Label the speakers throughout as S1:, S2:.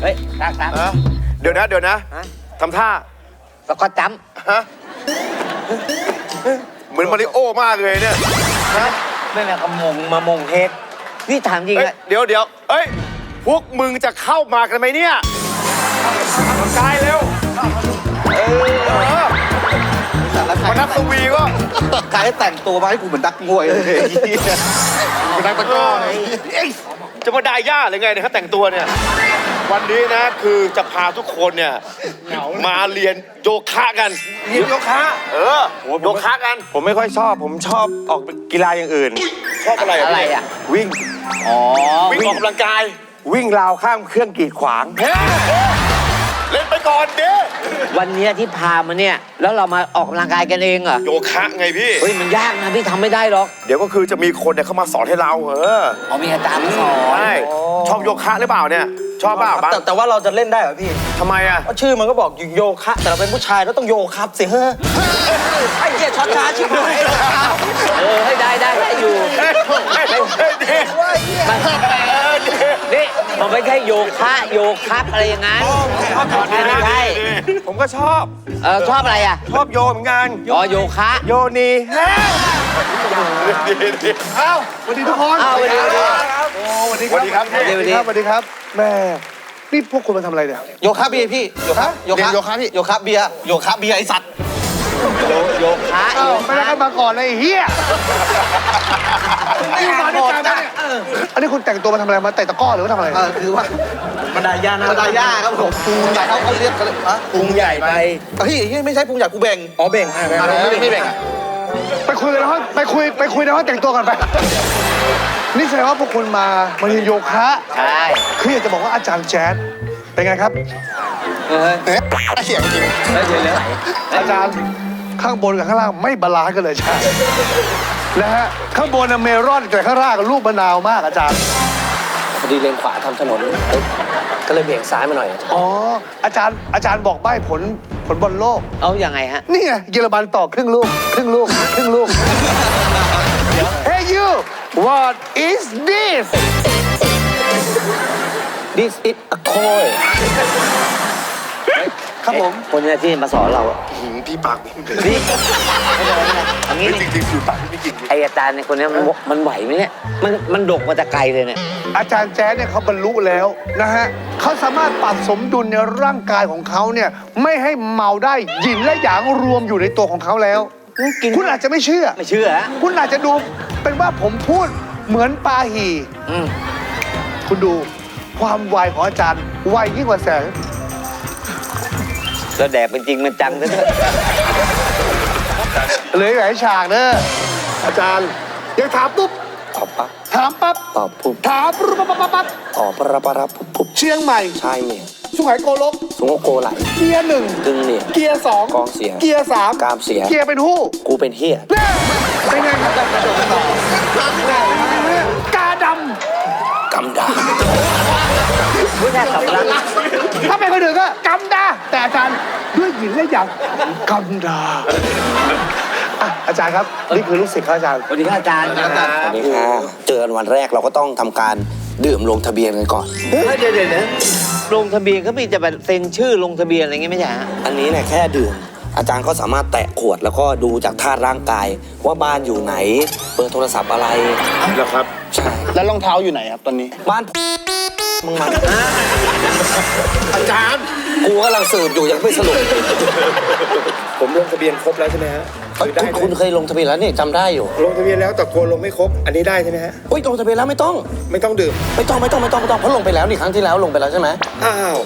S1: เฮ้ยตัก
S2: เดี๋ยวนะทำท่า
S1: แล้วก็จ้
S2: ำฮะเหมือนมาริโอมากเลยเนี่ยฮะ
S1: ไม่แม่กระมามงเฮดนี่ถามจริงอะ
S2: เดี๋ยวเอ้ยพวกมึงจะเข้ามากันไหมเนี่ยกายเร็วมานักสวีก็
S3: กายแต่งตัวมาให้กูเหมือนนักมวยเลย
S2: เป็นนักตะก้อจะมาได้ย่าหรือไงเนี่ยเขาแต่งตัวเนี่ยวันนี้นะคือจะพาทุกคนเนี่ยมาเรียนโยคะกัน
S3: เรียนโยคะ
S2: โยคะกัน
S4: ผมไม่ค่อยชอบผมชอบออกกีฬาอย่างอื่น
S2: ชอบอะไร
S1: อ่ะ
S4: วิ่ง
S2: วิ่งออกกำลังกาย
S4: วิ่งราวข้ามเครื่องกีดขวาง
S2: เล่นไปก่อนเด้
S1: วันนี้ที่พามาเนี่ยแล้วเรามาออกกำลังกายกันเองเหรอ
S2: โยคะไงพี่
S1: เฮ้ยมันยากนะพี่ทำไม่ได้หรอก
S2: เดี๋ยวก็คือจะมีคนเนี่ยเขามาสอนให้เรา
S1: มีอาจารย์สอน
S2: ใช่ชอบโยคะหรือเปล่าเนี่ยชอบเปล่า
S3: แต่ว่าเราจะเล่นได้เหรอพี่
S2: ทำไมอ่ะ
S3: ชื่อมันก็บอกโยคะแต่เราเป็นผู้ชายเราต้องโยครับสิเฮ้ยไอ้เจี๊ยช็อตช้าชิบหาย
S1: ให้ได้อยู่นี่มันไม่ใช่โยคะโยครับอะไรอย่างนั้นไม่ใช่
S4: ผมก็ชอบ
S1: ชอบอะไรอ่ะ
S4: ชอบโยเหมือนกัน
S1: โยคะ
S4: โยนี
S2: อ้าวสวัสดีทุกคน
S1: สวัสดี
S2: ครับสวัสดีครับ
S4: สวัสดีครับแม่นี่พวกคุณมาทำอะไรเนี่ย
S3: โยคะเบียร์พี่โยคะพี่โยคะเบียร์โยคะเบียร์ไอสัตว์
S1: โยคะ
S4: ไม่ได้กันมาก่อนเลยเฮียนี่มาด้วยกันนะอันนี้คุณแต่งตัวมาทำอะไรมาเตะตะก้อหรือว่าทำอะไร
S3: คือว่าบันไดย่านะบันไดย่าครับผมพุงใหญ่เขาเรียกกันเลย
S1: พุงใหญ่ไป
S3: เฮ้ยไม่ใช่พุงใหญ่กูแบ่ง
S4: แบ่ง
S3: ไม่แบ่ง
S4: ไปคุยกันแล้วไปคุยในห้องแต่งตัวกันไปนี่แสดงว่าพวกคุณมาเรียนโยคะ
S1: ใช่
S4: คืออยากจะบอกว่าอาจารย์แจ๊ดเป็นไงครับ
S3: เสียงจริง
S4: อาจารย์ข้างบนกับข้างล่างไม่บาลานซ์กันเลยใช่นะฮะข้างบนเมลอนแต่ข้างล่างลูกมะนาวมากอาจารย์
S3: พอดีเลนขวาทำถนนก็เลยเบี่ยงซ้ายมาหน่อย
S4: อาจารย์บอกใบ้ผลบอลโลก
S1: เอาอย่างไงฮะ
S4: นี่ไงเยอรมันต่อครึ่งลูกHey you what is this
S3: This is a coin
S1: ครับผมคนนี้ที่มาสอนเรา
S2: พี่ปาก
S1: นี่อย่างนี้
S2: จริงๆอยู่ปากพี่ไม่กิน
S1: ไออาจารย์ในคนนี้มันไหวไหมเนี่ยมันดกมาแต่ไกลเลยเนี่ย
S4: อาจารย์แจ๊ดเนี่ยเขาบรรลุแล้วนะฮะเขาสามารถปรับสมดุลในร่างกายของเขาเนี่ยไม่ให้เมาได้หยินและหยางรวมอยู่ในตัวของเขาแล้วคุณอาจจะไม่เชื่อคุณอาจจะดูเป็นว่าผมพูดเหมือนปาหีคุณดูความไวของอาจารย์ไวยิ่งกว่าแสง
S1: แล้วแดดเป็นจริงมันจังซะด้วย
S4: เลยหลายฉากเนอะอาจารย์ยังถามปุ๊บ
S3: ตอบปั๊บ
S4: ถามปั๊บ
S3: ตอบปุ๊บ
S4: ถามปุ๊บปั๊บ
S3: ตอบปั๊บปุ๊บ
S4: เชียงใหม่
S3: ใช่เนี่ย
S4: สุไหงโกลก
S3: โกไหล
S4: เกียร์หนึ่ง
S3: ดึงเนี่ย
S4: เกียร์สอง
S3: กองเสีย
S4: เกียร์สาม
S3: กามเสีย
S4: เกียร์เป็นหู้
S3: กูเป็นเฮีย
S4: เป็นไงกาด
S3: ำกำดา
S1: ไม่ใช่สำลัก
S4: ถ้าเป็นคนอื่นก็กำดาแต่อาจารย์ด้วยหญิงและหยางกำดาอาจารย์ครับนี่คือลูกศิษย์ครับอาจารย์
S1: สวัสดีครับอาจารย์
S3: สวัสดีค่ะเจอกันวันแรกเราก็ต้องทำการดื่มลงทะเบียนกันก่อน
S1: เดี๋ยวลงทะเบียนก็มีจะแบบเซ็นชื่อลงทะเบียนอะไรเงี้ยไม่ใช่ฮะ
S3: อันนี้เนี่ยแค่ดื่มอาจารย์ก็สามารถแตะขวดแล้วก็ดูจากธาตุร่างกายว่าบ้านอยู่ไหนเบอร์โทรศัพท์อะไร
S2: แล้วครับ
S3: ใช่
S4: แล้วรองเท้าอยู่ไหนครับตอนนี้
S3: บ้านมึงมัน
S2: อาจารย์
S3: กูกำลังสืบอยู่ยังไม่สรุป
S2: ผมลงทะเบียนครบแล้วใช่ไหมฮะ
S3: คุณเคยลงทะเบียนแล้วนี่จำได้อยู่
S2: ลงทะเบียนแล้วแต่กลัวลงไม่ครบอันนี้ได้ใช่ไหมฮะ
S3: ลงทะเบียนแล้วไม่ต้อง
S2: ดื่ม
S3: ไม่ต้องเพราะลงไปแล้วนี่ครั้งที่แล้วลงไปแล้วใช่ไหม
S2: อ้าว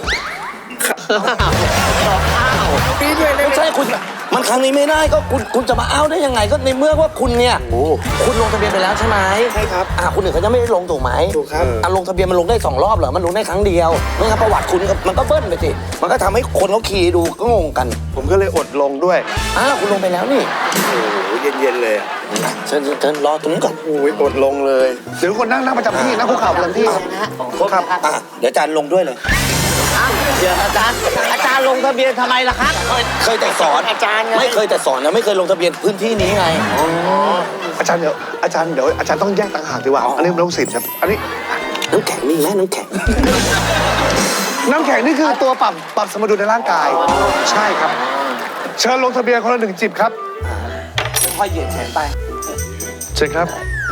S2: ปีด้วย
S3: ไม่ใช่คุณมันครั้งนี้ไม่ได้ก็คุณจะมาอ้าวได้ยังไงก็ในเมื่อว่าคุณเนี่ยคุณลงทะเบียนไปแล้วใช่ไหม
S2: ใช่ครับ
S3: คุณอื่นเขาจะไม่ได้ลงถูกไหม
S2: ถูกครับ
S3: ลงทะเบียนมันลงได้2 รอบเหรอมันลงได้ครั้งเดียวไม่งั้นประวัติคุณมันก็เบิ้ลไปสิมันก็ทำให้คนเขาขี่ดูก็งงกัน
S4: ผมก็เลยอดลงด้วย
S3: คุณลงไปแล้วนี่
S2: โอ้โหเย็นเลย
S3: เชิญรอตรงนี้ก่อน
S4: โอ้ยอดลงเลยเดี๋ยวคนนั่งประจำที่นั่งคุกเข่าประจำที่
S3: ครับเดี๋ยวอาจารย์ลงด้วยเลย
S1: เดี๋ยวอาจารย์ลงทะเบียนทำไมล่ะครับ
S3: เคยแต่สอน
S2: อาจารย์
S3: ไม่เคยแต่สอนนะไม่เคยลงทะเบียนพื้นที่นี้ไง
S4: อาจารย์เดี๋ยวอาจารย์ต้องแยกต่างหากดีกว่าอันนี้มันลูกศิษย์ครับอันนี้
S3: น้ำแข็งมีไหมน้ำแข็ง
S4: น้ำแข็งนี่คือตัวปรับสมดุลในร่างกาย ใช่ครับ เชิญลงทะเบียนคนละ1 จิบครับ
S3: ค่อยเหยียดแขนไป
S4: เชิญครับ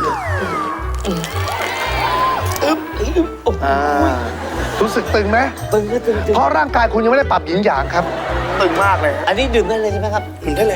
S4: อ่ารู้สึกตึงไหม
S1: ตึงก็ตึง
S4: เพราะร่างกายคุณยังไม่ได้ปรับหยินหยางครับ
S2: ตึงมากเลย
S1: อันนี้ดื่มได้เลยใช่ไหมครับ
S3: ถึงได้เลย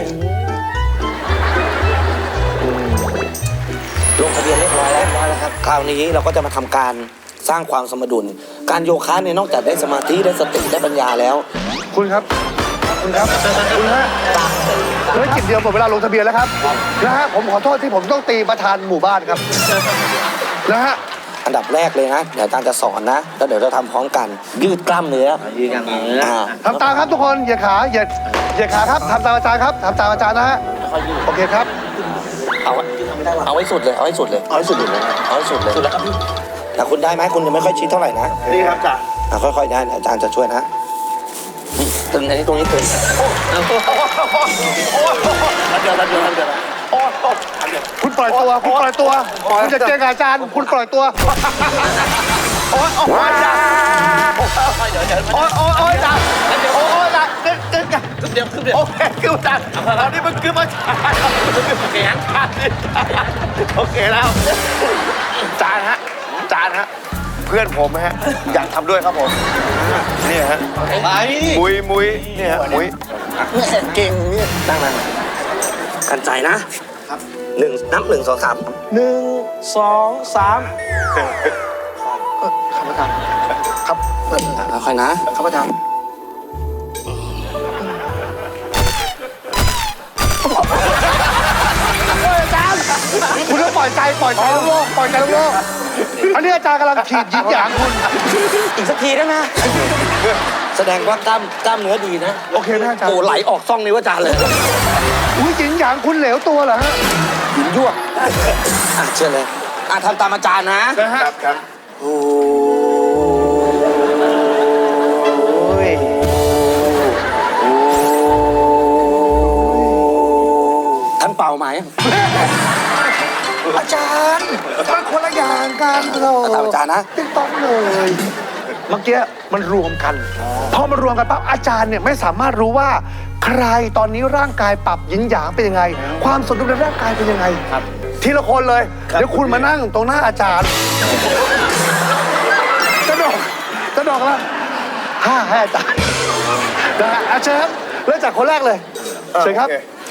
S3: ลงทะเบียนเรียบร้อยแล้วครับ คราวนี้เราก็จะมาทำการสร้างความสมดุล การโยคะเนี่ยนอกจากได้สมาธิได้สติได้ปัญญาแล้ว
S4: คุณครับ คุณครับ คุณฮะเหลือจิตเดียวหมดเวลาลงทะเบียนแล้วครับ นะฮะ ผมขอโทษที่ผมต้องตีประธานหมู่บ้านครับ นะฮะ
S3: อันดับแรกเลยนะ เดี๋ยวอาจารย์จะสอนนะ แล้วเดี๋ยวเราทำพร้อมกัน ยืดกล้ามเนื้อ
S1: ยืนอย่างนี้
S4: ทำตามครับทุกคน อย่าขาอย่าขาครับทำตามอาจารย์ครับทำตามอาจารย์นะฮะ โอเคครับ
S3: เอาไว้สุดเลย เอาไว้สุดเลย เอาไว้สุดเลย เอาไว้สุดเลย สุดแล้วครับแต่คุณได้ไหมคุณยังไม่ค่อยชิดเท่าไหร่นะ
S2: นี่ครับจ้ะ
S3: ค่อยๆได้อาจารย์จะช่วยนะนี่ตึงอันนี้ตรงนี้ตึง
S4: คุณปล่อยตัว คุณปล่อยตัว คุณจะเจอกับอาจารย์ คุณปล่อยตัว
S2: โอ๊ยจ้ะโอ๊ยจ้ะโอ๊ยจ้ะตึงกันโอเคคือจ้ะตอนนี้มันคือมาแข็งโอเคแล้วจานฮะ เพื่อนผมฮะ อยากทำด้วยครับผม นี่ฮะมุยนี่ฮะมุย
S3: เก่งเนี่ยตั้งนั่งกันใจนะ ครับนับ 1 2 3 1 2 3ครับค่อยๆนะครับอาจารย์
S4: คุณต้องปล่อยใจโลกปล่อยใจโลกอันนี้อาจารย์กำลังขีดหยินหยางคุณ
S3: อีกสักทีได้ไหมแสดงว่ากล้ามเนื้อดีนะ
S4: โอเคไหมอาจารย์
S3: โอ้ไหลออกซ่องนิ้วอาจารย์เลย
S4: อุ้ยหยินหยางคุณเหลวตัวเหรอฮะ
S3: หินยวกเชื่อเลยทำตามอาจารย์นะ
S2: ครับ
S3: โอ้ยท่านเป่าไหม
S4: อาจารย์มันคนละอย่างกันเรา
S3: ตามอาจารย์นะ
S4: ติ๊กต้องเลย เมื่อกี้มันรวมกันพอมันรวมกันปั๊บอาจารย์เนี่ยไม่สามารถรู้ว่า ใครตอนนี้ร่างกายปรับหยินหยางเป็นยังไง ความสมดุลในร่างกายเป็นยังไงทีละคนเลยเดี๋ยวคุณมานั่งตรงหน้าอาจารย์กระดกแล้วให้อาจารย์นะฮะเชิญครับเริ่มจากคนแรกเลยเชิญครับ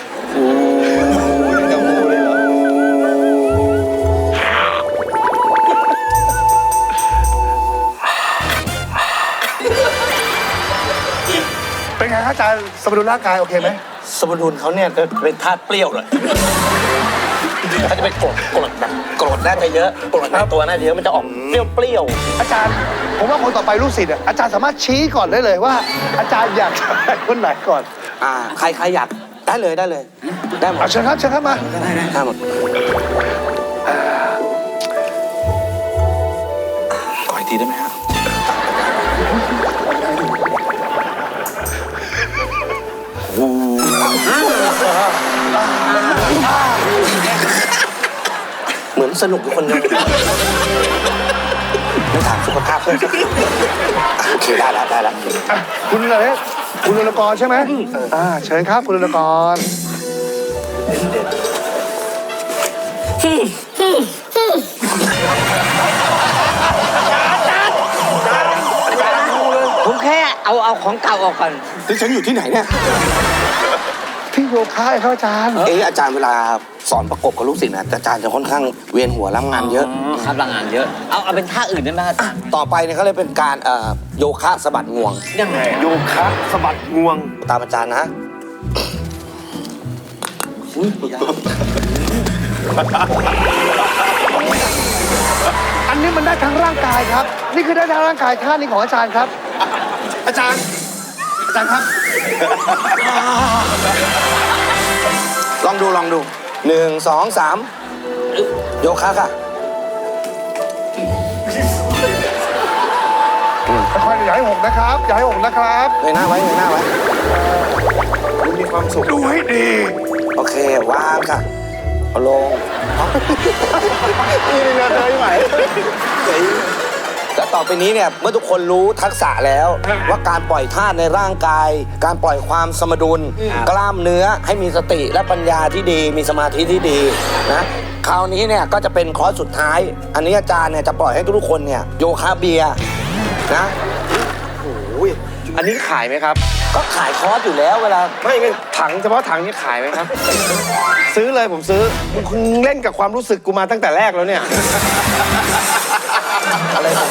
S4: เป็นไงครับอาจารย์สมดุลร่างกายโอเคไหม
S3: สมดุลเขาเนี่ยจะเป็นธาตุเปรี้ยวเลยเขาจะเป็นกรดแบบกรดน่าจะเยอะกรดในตัวน่าจะเยอะมันจะออกเปรี้ยว
S4: อาจารย์ผมว่าคนต่อไปลูกศิษย์อาจารย์สามารถชี้ก่อนได้เลยว่า อาจารย์อยากให้คนไหนก่อน
S3: ใครอยากได้เลยได้หมด
S4: เชิญครับมา
S3: ได้หมดขออีกทีได้ไหมครับเหมือนสนุกอยู่คนเดียวไม่ถามสุขภาพเพื่อนสักโอเคได้แล้ว
S4: คุณอะไรคุณรุณกรใช่ไหมเชิญครับคุณรุณกร
S1: ผมแค่เอาของเก่าออกก่อน
S3: ที่ฉันอยู่ที่ไหนเนี่ย
S4: ที่โยคะครับอาจารย์
S3: อาจารย์เวลาสอนประกบกับลูกศิษย์นะอาจารย์จะค่อนข้างเวียนหัวรับงานเยอะ
S1: ครับพลังงานเยอะ เอาเป็นท่าอื่นได้ไหมอาจารย์
S3: ต่อไปเนี่ยเขาเลยเป็นการโยคะสะบัดงวง
S1: ยังไง
S2: โยคะสะบัดงวง
S3: ตามอาจารย์นะ
S4: อันนี้มันได้ทั้งร่างกายครับ นี่คือได้ทั้งร่างกายท่านี้ของอาจารย์ครับ อาจารย์ครับ
S3: ลองดู1 2 3โยคะค่ะ
S4: ค่อยๆอย่าให้หกนะครับอย่าให้หกนะครับ
S3: เงยหน้าไว้
S2: มีความสุข
S4: ดูให้ดี
S3: โอเควางค่ะเอาลง
S2: นี่เรือเธอไหม
S3: แล้วต่อไปนี้เนี่ยเมื่อทุกคนรู้ทักษะแล้วว่าการปล่อยธาตุในร่างกาย การปล่อยความสมดุล กล้ามเนื้อให้มีสติและปัญญาที่ดี มีสมาธิที่ดีนะคราวนี้เนี่ยก็จะเป็นคอร์สสุดท้าย อันนี้อาจารย์เนี่ยจะปล่อยให้ทุกคนเนี่ยโยคะเบียร์นะ
S2: อันนี้ขายไหมครับ
S3: ก็ขายคอร์สอยู่แล้วเวลา
S2: ไม่งั้นถังเฉพาะถังนี่ขายไหมครับ ซื้อเลยผมซื้อคุณเล่นกับความรู้สึกกูมาตั้งแต่แรกแล้วเนี่ย
S3: อะไรนะ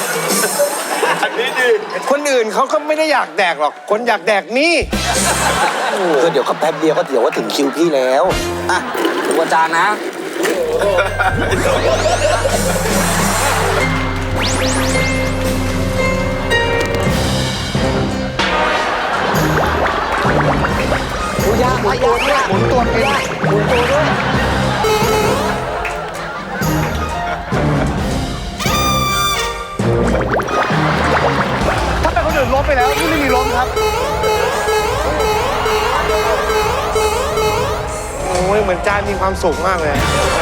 S2: คนอื่นเขาก็ไม่ได้อยากแดกหรอก คนอยากแดกนี่
S3: คือเดี๋ยวก็แป๊บเดียวก็เดี๋ยวว่าถึงคิวพี่แล้วอ่ะดูอาจารย์นะ
S1: ยากยากยาก
S4: หมุนตัวเอง
S1: หมุนตัวด้วย
S4: ถ้าเป็นคนอื่นล้มไปแล้วนี่ไม่มีล้มครับ
S2: โอ้ยเหมือนจานมีความสุขมากเลย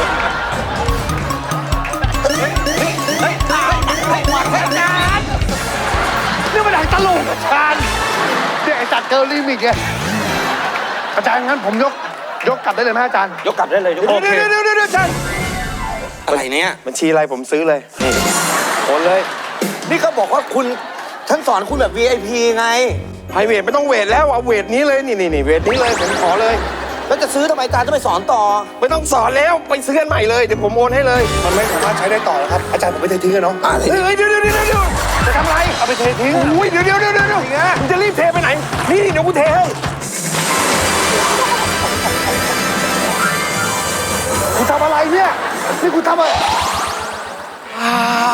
S4: นี่มันหนังตลกอาจารย์เนี่ยไอ้จัดเกิร์ลลิมิกไงอาจารย์งั้นผมยกกลับได้เลยไหมอาจารย์
S3: ยกกลับได้เลยยก
S2: เดี๋ยวอาจารย์
S3: อะไรเนี่ย
S2: บัญชีอะไรผมซื้อเลย นี่โอนเลย
S3: นี่เขาบอกว่าคุณท่านสอนคุณแบบ VIP ไง
S2: ไพรเวทไม่ต้องเวทแล้ว เอาเวทนี้เลย นี่เวทนี้เลย ผมขอเลย
S3: แล้วจะซื้อทำไมอาจารย์ต้องไปสอนต่อ
S2: ไม่ต้องสอนแล้ว ไปซื้อกันใหม่เลย เดี๋ยวผมโอนให้เลย
S4: มันไม่สามารถใช้ได้ต่อแล้วครับ อาจารย์ผมไม่เททิ้งกันเนาะ
S2: เฮ้ยเดี๋ยวจะทำไร
S4: เอาไปเททิ้ง
S2: อุ้ยเดี๋ยวมึงจะรีบเทไปไหน นี่เดี๋ยวกูเทให้
S4: คุณทำอะไรเนี่ย นี่คุณทำอะไร